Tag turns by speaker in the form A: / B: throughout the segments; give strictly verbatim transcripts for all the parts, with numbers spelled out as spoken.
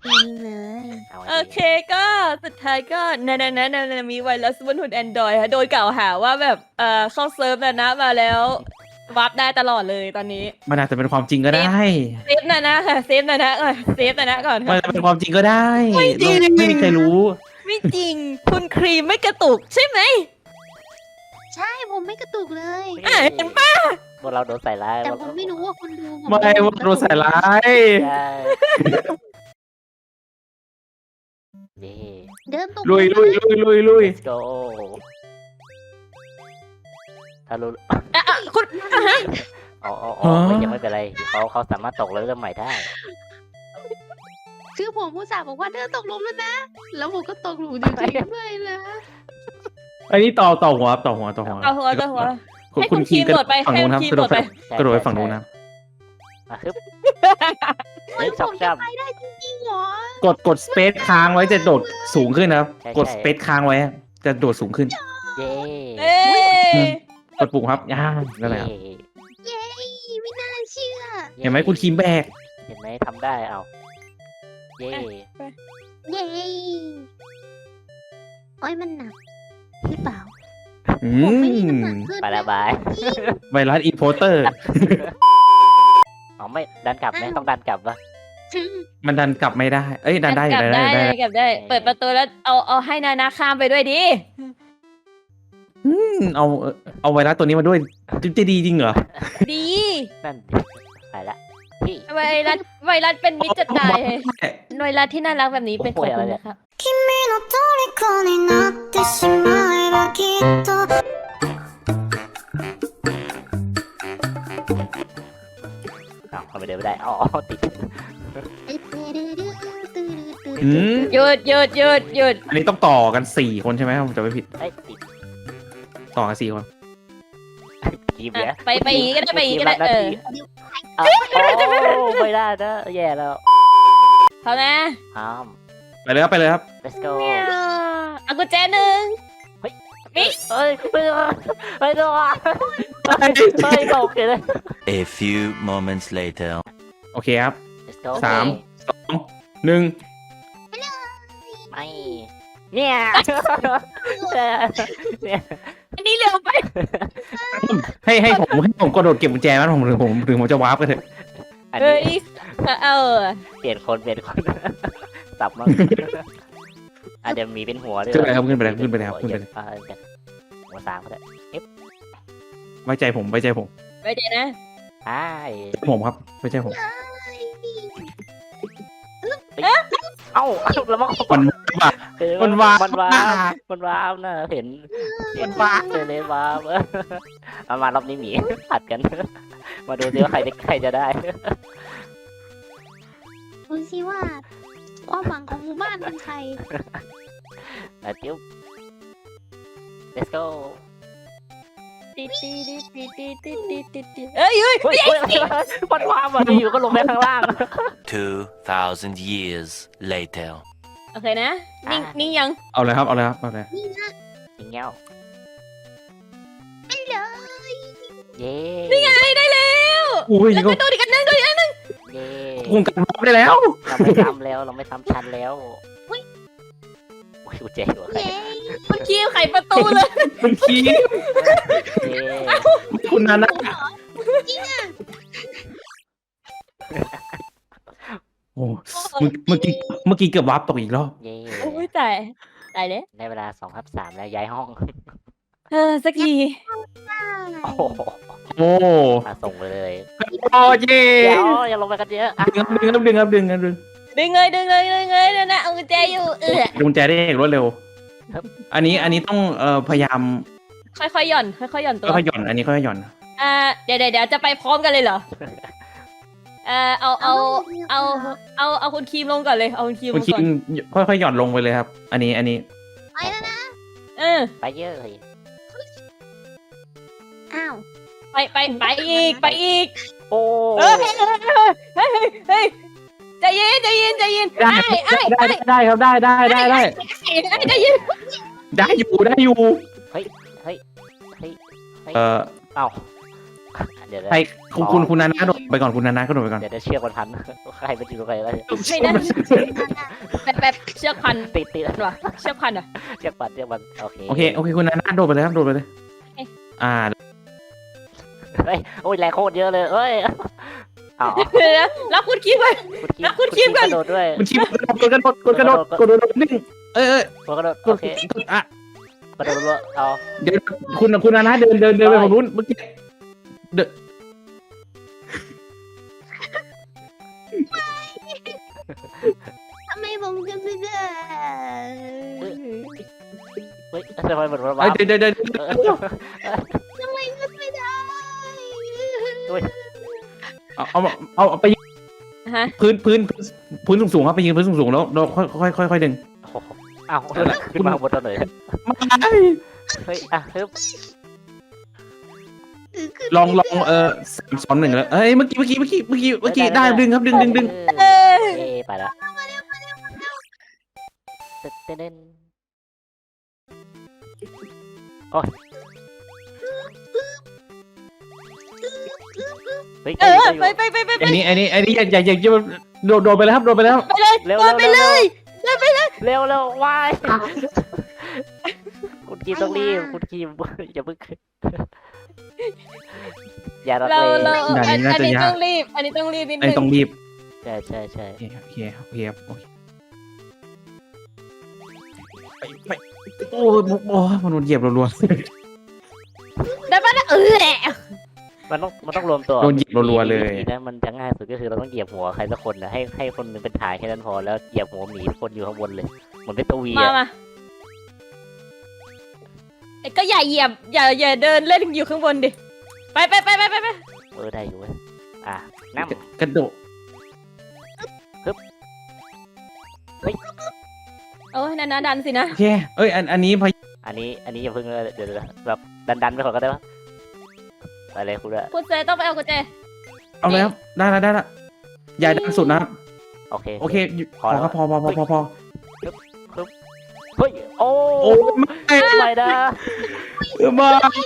A: นี่เลย
B: โอเคก็สุดท้ายก็นานานานานามีไวรัสบนหุ่นแอนดรอยค่ะโดนกล่าวหาว่าแบบเอ่อเข้าเซิร์ฟนานะมาแล้ววาร์ปได้ตลอดเลยตอนนี้
C: มันอาจจะเป็นความจริงก็ได้
B: เซฟนานะค่ะเซฟนานะก่อนเซฟนานะก่อน
C: มัน
B: ค่ะ
C: อาจจะเป็นความจริงก็ได้
B: ไม่จริง
C: เราไม่มีใครรู้
B: ไม่จริงคุณครีมไม่กระตุกใช่ไหม
A: ใช่ผมไม่กระตุกเลย
B: อ่ะเห็นปะ
D: พวกเราโดนใส่ร้าย
A: แต่ผมไม่รู้ว่าคุณดูผม
C: ไม่ว่าโดนใส่ร้าย
D: ใช่เย่
A: เดินตก
C: ลุยลุยลุยลุยลุย
D: let's go ถ้ารู้
B: อ่ะอ่ะคุณอ่ะฮะ
D: อ๋ออ๋ออ๋อไม่ยังไม่เป็นไรเขาเขาสามารถตกแล้วเริ่มใหม่ได้
A: คือผมผู้สาห์บอกว่าเดินตกหลุมแล้วนะ แล้วผมก็ตกหลุมจริงๆด้วยนะ
C: อันนี้ต่อต่อหัวต่อหัวต่อหัว
B: เอาหัวเอาหัว
C: คุณ
B: ให้
C: คุ
B: คุณ ณ
C: คี
B: คี
C: ม
B: ม
C: กระ
B: โด
C: โด
B: ด
C: ด
B: ไป
C: ฝั่งนู้นครับ
B: ให้
C: กระโดด
B: คีมโดดไป
C: กระโดดไปฝั่งนู้นนะ
D: อ่ะฮึบ
A: เฮ้ย
D: เฮ้ย
A: ผ
D: ชอบ
A: ม
D: ช
A: จะ
D: อบ
A: ไปได้จริงๆเหรอก
C: ดกดสเปซค้างไว้จะโดดสูงขึ้นนะครับ
D: ใช่
C: กดสเปซค้างไว้จะโดดสูงขึ้น
D: เย่
B: เอ้ย
C: กดปุ่มครับย่านั่นแหละครับ
A: เย้ไม่น่าเชื่อ
C: เห็นไหมคุณคีมแบก
D: เห็นไหมทำได้เอาเย่
A: เย้โอ้ยมันหนักหรือเปล่า
C: อื
A: ผมไม่ได้
C: ม
A: น้ำหนักขึ้น
D: ไปละบาย
C: ไวรัสอีโพเตอร์
D: อ๋อไม่ดันกลับไหมต้องดันกลับปะ
C: มันดันกลับไม่ได้ เอ้ยดันได้
B: กลับ
C: ดัน
B: ได้
C: ได้
B: เล
C: ได้
B: ยกลับได้ เปิดประตูแล้วเอาเอาให้นานาข้ามไปด้วยดิ
C: อืมเอาเอาไวรัสตัวนี้มาด้วยจะดีจริงเหรอ
B: ดี
D: นั่นดิไปละพี่
B: ไวรัสไวรัสเป็นมิตรจะตายไวรัสที่น่ารักแบบนี้เป็นของคุณนะครับ
E: 君の虜になってしまえばきっと
D: อ้าวทำไมเดินไม่ได้อ๋อติด
C: อืม
B: หยุดหยุดหยุดหยุด
C: อันนี้ต้องต่อกันสี่คนใช่ไหมผมจะไม่ผิด
D: เอ้ยติด
C: ต่อกันสี่คน
D: กีบเนี่ย
B: อ่ะไปไปอย่างงี้ก็ได้ไปอย่างงี้ก็ได้เออ
D: โอ้ไม่ได้นะแย่แล้ว
B: เขานะ
D: อ้าม
C: ไปเลยครับไปเลยครับ
D: let's go
B: เอากุญแจหนึ่ง
D: เฮ้ยเฮ้ยไม่ได้ไม่ได้เฮ้ยตกเลย
F: A few moments later.
C: โอเคครับ
D: let's go
C: สาม สองหนึ่ง
D: ไม่เนี่ยเนี่ย
B: อันนี้เร็วไป
C: ให้ให้ผมให้ผมกระโดดเก็บกุญแจมั้ยผมถึงผมถึงผมจะวาร์ปกันเถอะ
D: อัน
B: เฮ้
D: นี้
B: ยเออ
D: เปลี่ยนคนเปลี่ยนคนสับมั้งอาจจะมีเป็นหัวด้วย
C: ขึ้นไปเลยครับขึ้นไปเลยขึ้นไปเลยครับขึ้นไปเลย
D: อ่าหัวสามก็ได้
C: ไว้ใจผมไว้ใจผม
B: ไว้ใจนะ
D: ใช่
C: ผมครับไว้ใจผม
D: เอ้าแล้วมัน
C: มันว่า มันวาบ
D: มันวาบมันวาบนะเห็นเห็นวาบเลยเลยวาบเอามารอบนี้หมีผัดกัน มาดูซิว่าใครจะใครจะได้
A: ดูสิว่าความหวังของหมู่บ้านเป็นใคร
D: อ่ะจิ้ว let's go
B: ติดติดติดติดติดติดติดติดเอ้ยเฮ้ย
D: เฮ้ยเฮ้ยมันวาบอ่ะอยู่ก็ลงไปข้างล่าง
F: Two thousand years later.
B: โอเคนะนิ่งนิ่งยัง
C: เอาเลยครับเอาเลยครับเอาเลย
A: นี่นะ
D: ยิงเงี้ยว
A: ไม่เลย
D: เย้
B: นี่ไงได้แล้ว
C: อุ้ย
B: แล้ว
C: ก็
B: ก็ตัวอีกอันนึงตัวอีกอันนึง
D: เย้
C: คุมกันวาร์ปได้แล้ว
D: เราไม่ทำแล้วเราไม่ทำชันแล้วโอ้ยกูเจ๋งว่ะใคร
A: เย้
B: คุณคีมไขประตูเลย
C: คุณคีม
D: เย้
C: คุณนานะ โอ้เมื่อเมื่อกี้เมื่อกี้เกือบวาร์ปตกอีกรอบ
D: เย้
B: โอ้ยตายตายเลย
D: ได้เวลาสองทับสามแล้วย้ายห้อง
B: เออสักที
D: โอ้โห
C: โอ้
D: มาส่งไปเลย
C: โอ้เย่
D: เดี๋ยวอย่าลงไปกันเยอะอ่ะ
C: ดึงครับดึงครับดึงครับดึงครับดึง
B: ดึงเลยดึงเลยดึงเลยเดี๋ยวนะเอากุญแจอยู่เออ
C: กุญแจได้อย่างรวดเร็ว อันนี้อันนี้ต้องเอ่อพยายาม
B: ค่อยๆหย่อนค่อยๆหย่อนตัว
C: ค่อยๆหย่อนอันนี้ค่อยๆหย่อน
B: อ่าเดี๋ยวเดี๋ยวเดี๋ยวจะไปพร้อมกันเลยเหรอเออเอาเอาเอาเอาเอาคุณคีมลงก่อนเลยเอาคุณคีมล
C: คุณ
B: ง
C: คิ
B: ก่อ
C: ม
B: น
C: ค่อยๆหย่อนลงไปเลยครับ อันนี้อันนี้
A: ไปแล้วนะ
B: เออ
D: ไปเยอะเลย
A: อ้าว
B: ไปไปไปอีกไปอีก
D: โอ้
B: เออเฮ้ยเฮ้ยเฮ้ยใจเย็นใจเย็นใจเย็น
C: ได้
B: ไอ้ไอ้
C: ได้ได้ครับได้ได้ได้ได้
B: ไอ้ไอ้ใจเย็น
C: ได้อยู่ได้อยู่
D: เฮ้ยเฮ้ยเฮ้ย
C: เอ่อ
D: เอ้าเดี๋ยวนะ
C: ใครคุณคุณคุณนานาโดดไปก่อนคุณนานาก็โดดไปก่อน
D: เดี๋ยวจะเชือกมันพันใครเป็นอยู่ตรงไหนแล้ว
B: ไม่ได้แบบแบบเชือกพัน
D: ติดติด
B: วะเชือกพันอ่ะ
D: เชือกปัดเชือกปัดโอเค
C: โอเคโอเคคุณนานาโดดไปเลยครับโดดไปเลย
B: เอ๊ะ
C: อ่า
D: เฮ้ยโอ้ยแรงโคตรเยอะเลยเอ้ยเอา
B: เดี๋ยวนะรับคุณคิดไว้
D: คุณคี
B: แล้วคุณคีบก่อน
D: กระโดดด้วย
C: คุณชิมกดกระโดดกดกระโดดกดกระโดดนิ่งเอ้ยเอ้ย
D: กระโดด
C: ก
D: โอ
C: ด
D: เค
C: กดอ่ะ
D: กระโดดรัวเอา
C: เดี๋ยวคุณคุณนานาเดินเดินเดินไปฝั่งนู้นเมื่อกี้เดิน
A: ทำไมผมจะไม่ได้
D: เฮ้ยทำไมเหมือนมัน
C: เอ้
D: ว้าย
C: เดินเดินเดิน
A: ทำไมขึ้นไม่ได้
C: เอาเอาเอาเอาไปยืน
B: ฮะ
C: พื้นพื้นพื้นสูงสูงๆครับไปยืนพื้นสูงสูงๆแล้วเราค่อยค่อยค่อยค่อยดึง
D: อ้าวขึ้นมาบนถนนเฮ้ยอ่ะฮึบ
C: ลองลองเออสามสองหนึ่งแล้วเอ้ยเมื่อกี้เมื่อกี้เมื่อกี้เมื่อกี้เมื่อกี้ได้ดึงครับดึงดึงดึง
B: เอ้ย
D: เอ้ไปละเต้นเต้นโอ้ยเฮ้ย
B: เออไปไปไปไปไป
C: อันนี้อันนี้อันนี้อย่าอย่าอย่าอย่าโดดโดดไปแล้วครับโดดไปแล้ว
B: ไปเลย
D: เร็ว
B: โดนไปเลย
D: เร็วเร็วเร็ววายคุณกีมต้องรีบคุณกีมอย่าเพิ่งอย่ารัก
B: เรา
D: เล
B: เรา
D: ย
B: อันอันนี้ต้องรีบ อันนี้ต้องรีบนิด
C: ไอ้
B: นึง
C: ต้องรีบ
D: ใช่ใช่ใช่
C: โอเคโอเคโอเคโอเคไปไปโอ้ยโอ้ยมันโดนเหยียบรัว
B: ได้ปะนะเออแหละ
D: มันต้องมันต้องรวมตัว
C: ๆโดนเหยียบรัวๆเลย
D: นะมันจะง่ายสุดก็คือเราต้องเหยียบหัวใครสักคนนะให้ให้คนหนึงเป็นถ่ายแค่นั้นพอแล้วเหยียบหัวหมีคนอยู่ข้างบนเลยเหมือนเป็นตัววี
B: มา
D: อะ
B: มาไอ้ก็อย่าเหยียบ อย่าอย่าเดินเล่นอยู่ข้างบนดิ ไปไปไปไปไปไป
D: เออได้อยู่เว้ยอ่ะนั่ง
C: กระโดด
B: โอ้ยนานาดันสินะ
C: โอเคเอ้ยอันอันนี้พย
D: อันนี้อันนี้อย่าเพิ่งเลยเดี๋ยวเดี๋ยวแบบดันดันๆไปก่อนก็ได้ปะไปเลยคุณอะ
B: คุณเจต้องไปเอากุญแจ
C: เอาแล้วได้แล้วได้แล้วอย่าดันสุดนะครับ
D: โอเค
C: โอเคหยุด
D: พ
C: พ
D: อ
C: อ
D: แล้ว
C: ครับพอพอพอพอพอ
D: เฮ้ยโอ้
C: โอ้ไม่
D: ไม่นะ
C: ไม่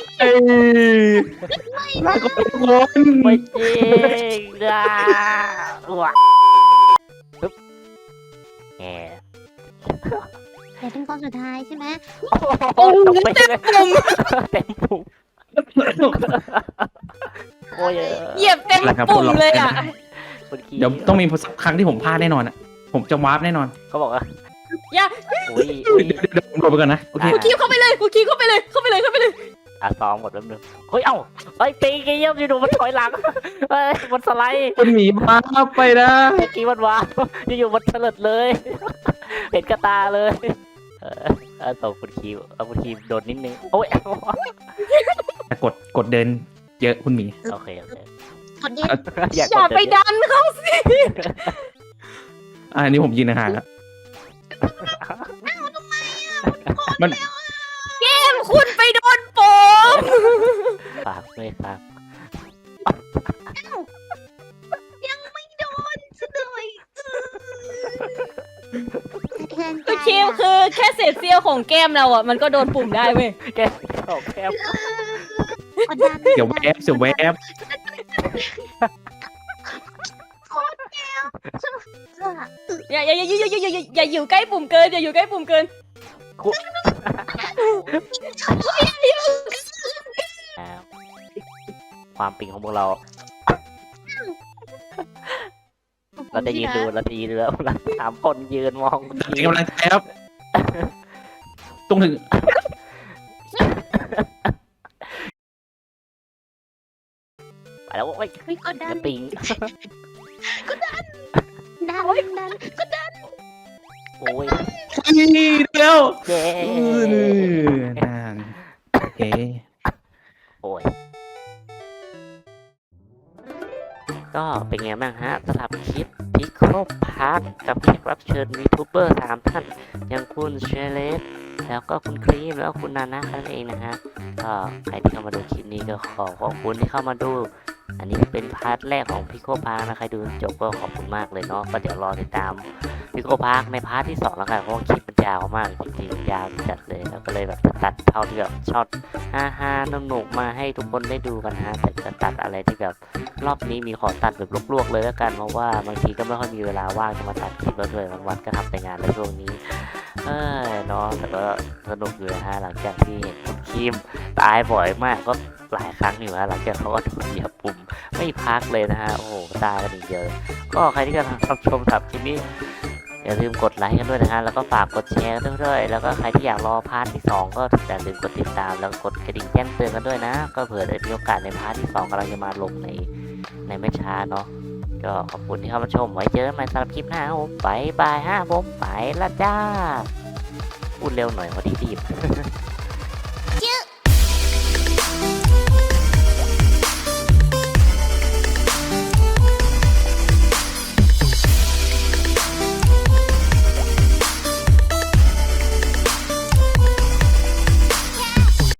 C: ลาก่อนทุกคน
D: ไม่จริงนะว้าปึ๊บแหม
A: แต่เป็นคนสุดท้ายใช่ไหม
D: โอ้ตกไปเลยเต็มปุ่มโอ้ย
B: เหยียบเต็มปุ่มเลยอ่ะ
D: คนขี่
C: เดี๋ยวต้องมีสักครั้งที่ผมพลาดแน่นอนอ่ะผมจะวาร์ปแน่นอน
D: เขาบอกว่า
B: อย่า
D: อุ้ยอุ้ย
C: เดี๋ยวเดี๋ยวผมโดดไปก่อนนะโอเค
B: กูคีบเข้าไปเลยกูคีบเข้าไปเลย เข้าไปเลย เข้าไปเลย
D: อ่ะซ้อมหมดแป๊บนึงเฮ้ยเอ้าเฮ้ยปีกี้ย่ำอยู่ดูมันถอยหลังเฮ้ยมันสไลด์
C: คุณหมีมาไปนะ
D: เมื่อกี้มันวางอยู่ๆมันเฉลิดเลย เห็นกระตาเลยเออเออส่งคุณคีเอาคุณคีโดนนิดนึงโอ้ย
C: แต่กดกดเดินเยอะคุณหมี
D: โอเคโอเค
A: กดเย็น
D: อยาก
B: อย่าไปดันเขาสิ
C: อ่าอันนี้ผมยืนห่างๆแล้วมัน
B: คุณไปโดนโปม
D: ฝากด้วยครับ
A: ยังไม่โดนซะหน่อยสะเทือนใจ
B: คือคิวคือแค่เศษเสี้ยวของแก้มเราอ่ะ มันก็โดนปุ่มได้เว้ย
D: แกออกแคบ
A: กดดัน
C: เสียวแวบเสียวแวบ
B: อย่าอย่าอย่าอย่าอย่าอย่าอย่าอยู่ใกล้ปุ่มเกิน อย่าอยู่ใกล้ปุ่มเกิน
D: ความปิงของพวกเรา เราจะยืนดูเราจะยืนดูแล้วเราสามคนยืนมอง
C: เป็นกำลังใจครับตรงถึง
D: ไปแล้วโอ้ย
A: ไม่กดดัน
D: จะปิง
A: ดันดันกดดัน
D: โอ้ย
C: นี่เร็ว
D: เย้
C: เออนั่นโอเค
D: โอ้ยก็เป็นไงบ้างฮะสำหรับคลิปพิคโคพาร์คกับแขกรับเชิญยูทูบเบอร์สามท่านอย่างคุณเชเลสแล้วก็คุณครีมแล้วคุณนานะนั่นเองนะฮะก็ใครที่เข้ามาดูคลิปนี้ก็ขอขอบคุณที่เข้ามาดู อันนี้เป็นพาร์ทแรกของพิคโคพาร์คนะใครดูจบก็ขอบคุณมากเลยเนาะก็เดี๋ยวรอติดตามพิคโคพาร์คในพาร์ทที่สองแล้วกันเพราะว่าคลิปมันจะยาวมากจริงๆยาวจัดเลยแล้วก็เลยแบบตัดเท่าที่แบบช็อตฮ่าฮ่าสนุกๆมาให้ทุกคนได้ดูกันฮะแต่จะตัดอะไรที่แบบรอบนี้มีขอตัดแบบลวกๆเลยแล้วกันเพราะว่าบางทีก็ไม่ค่อยมีเวลาว่างจะมาตัดคลิปแล้วด้วยบางวันก็ทำแต่งานในช่วงนี้เออเนาะแต่ก็สนุกอยู่นะฮะหลังจากที่เห็นคุณคิมตายบ่อยมากก็หลายครั้งอยู่ฮะหลังจากเขาก็โดนเหยียบปุ่มไม่พักเลยนะฮะโอ้โหตายกันอีกเดียวก็ใครที่กำลังรับชมสับคลิปนี้อย่าลืมกดไลค์กันด้วยนะฮะแล้วก็ฝากกดแชร์กันด้วยแล้วก็ใครที่อยากรอพาร์ทที่สองก็อย่าลืมกดติดตามแล้วก็กดกระดิ่งแจ้งเตือนกันด้วยนะก็เผื่อได้มีโอกาสในพาร์ทที่สองกำลังจะมาลงในในไม่ช้าเนาะก็ขอบคุณที่เข้ามาชมไว้เจอกันใหม่สำหรับคลิปหน้าครับผมบายบายฮะผมไปละจ้าพูดเร็วหน่อยพอดีรีบ